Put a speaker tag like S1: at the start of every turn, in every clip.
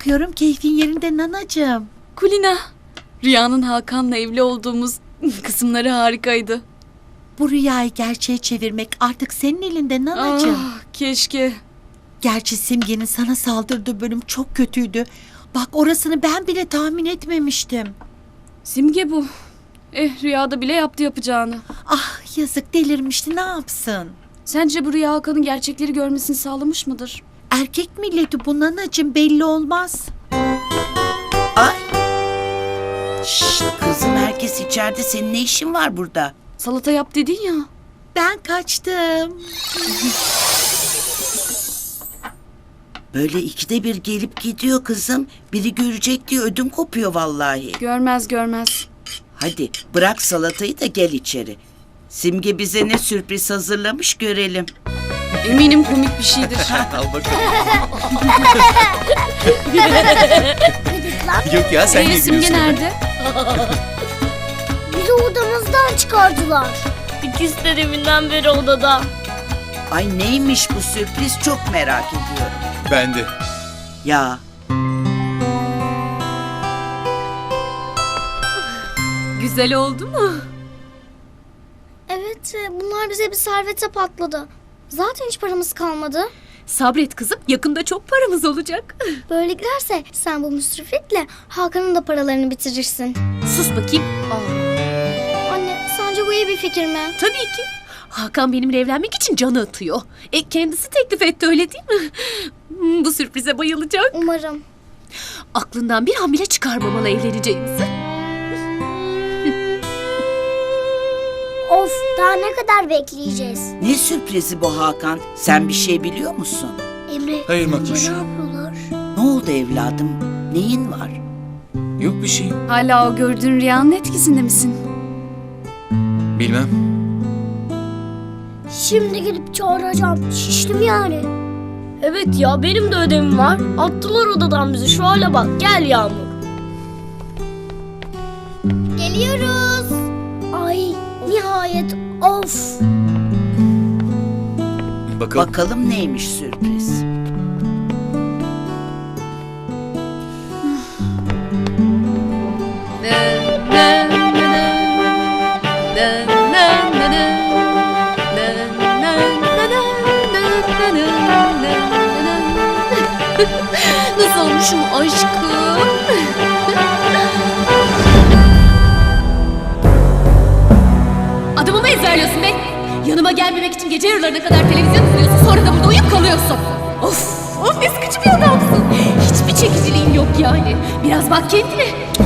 S1: bakıyorum keyfin yerinde nanacığım.
S2: Kulina, Rüya'nın Hakan'la evli olduğumuz kısımları harikaydı.
S1: Bu rüyayı gerçeğe çevirmek artık senin elinde nanacığım.
S2: Keşke.
S1: Gerçi Simge'nin sana saldırdığı bölüm çok kötüydü. Bak orasını ben bile tahmin etmemiştim.
S2: Simge bu. Rüyada bile yaptı yapacağını.
S1: Ah yazık delirmişti, ne yapsın?
S2: Sence bu Rüya Hakan'ın gerçekleri görmesini sağlamış mıdır?
S1: Erkek milleti bu nanacığım, belli olmaz.
S3: Ay. Şşt kızım, herkes içeride, senin ne işin var burada?
S2: Salata yap dedin ya.
S1: Ben kaçtım.
S3: Böyle ikide bir gelip gidiyor kızım. Biri görecek diye ödüm kopuyor vallahi.
S2: Görmez görmez.
S3: Hadi bırak salatayı da gel içeri. Simge bize ne sürpriz hazırlamış görelim.
S2: Eminim komik bir şeydir.
S4: Al bakalım. Yok ya, sen niye
S2: Simge
S4: gülüyorsun?
S2: nerede?
S5: Bizi odamızdan çıkardılar. İkisi de deminden beri odada.
S3: Ay neymiş bu sürpriz, çok merak ediyorum.
S4: Ben de.
S3: Ya
S2: Güzel oldu mu?
S5: Evet, bunlar bize bir servete patladı. Zaten hiç paramız kalmadı.
S2: Sabret kızım, yakında çok paramız olacak.
S5: Böyle giderse sen bu müsriflikle Hakan'ın da paralarını bitirirsin.
S6: Sus bakayım.
S5: Anne, sence bu iyi bir fikir mi?
S6: Tabii ki. Hakan benimle evlenmek için canı atıyor. Kendisi teklif etti, öyle değil mi? Bu sürprize bayılacak.
S5: Umarım.
S6: Aklından bir hamile çıkarmamalı evleneceğimizi.
S5: Of, daha ne kadar bekleyeceğiz?
S3: ne sürprizi bu Hakan? Sen bir şey biliyor musun?
S5: Emre,
S4: Hayır
S5: sence
S4: Makbuş.
S5: ne yapıyorlar?
S3: Ne oldu evladım? Neyin var?
S4: Yok bir şey.
S2: Hala o gördüğün rüyanın etkisinde misin?
S4: Bilmem.
S5: Şimdi gidip çağıracağım. Şiştim yani. Evet ya, benim de ödevim var. Attılar odadan bizi. Şu hale bak. Gel Yağmur. Geliyoruz. Ay nihayet. Of.
S4: Bakalım.
S3: Bakalım neymiş sürpriz.
S6: Nasıl olmuşum aşkım? Adamı mı ezberliyorsun be? Yanıma gelmemek için gece yarılarına kadar televizyon izliyorsun, sonra da burada uyuyup kalıyorsun. Of ne sıkıcı bir adamsın. Hiçbir çekiciliğin yok yani. Biraz bak kendine.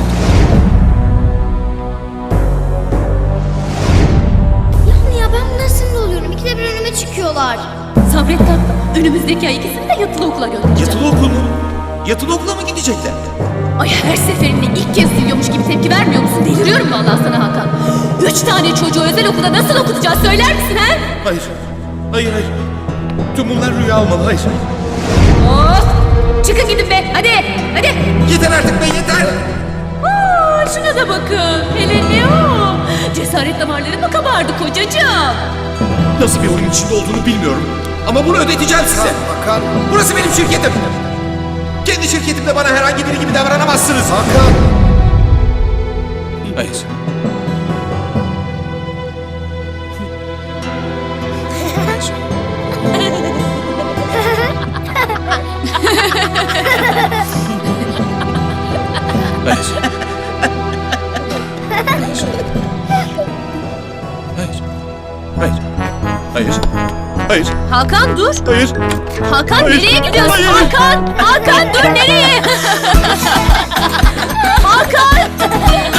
S5: Yani ya, ben bunlara sinir oluyorum. İkide bir önüme çıkıyorlar.
S6: Sabret tatlım. Önümüzdeki ay ikisini de yatılı okula göndereceğim.
S4: Yatılı okul mu? Yatılı okula mı gidecekler?
S6: Ay her seferinde ilk kez duyuyormuş gibi tepki vermiyor musun? Deliriyorum vallahi sana Hakan. 3 tane çocuğu özel okulda nasıl okutacağız söyler misin ha?
S4: Hayır. Hayır. Tüm bunlar rüya olmalı. Hayır.
S6: Of! Çıkın gidin be hadi hadi.
S4: Yeter artık be, yeter.
S6: Şuna da bakın. Hele ne o? Cesaret damarları mı kabardı kocacığım?
S4: Nasıl bir oyun içinde olduğunu bilmiyorum. Ama bunu ödeteceğim size.
S7: Hakan.
S4: Burası benim şirketim. Kendi şirketimde bana herhangi biri gibi davranamazsınız.
S7: Hakan.
S4: Hayır. Hayır. Hayır. Hayır. Hayır.
S6: Hakan dur.
S4: Hayır.
S6: Hakan
S4: Hayır.
S6: nereye gidiyorsun?
S4: Hayır.
S6: Hakan dur nereye? Hakan!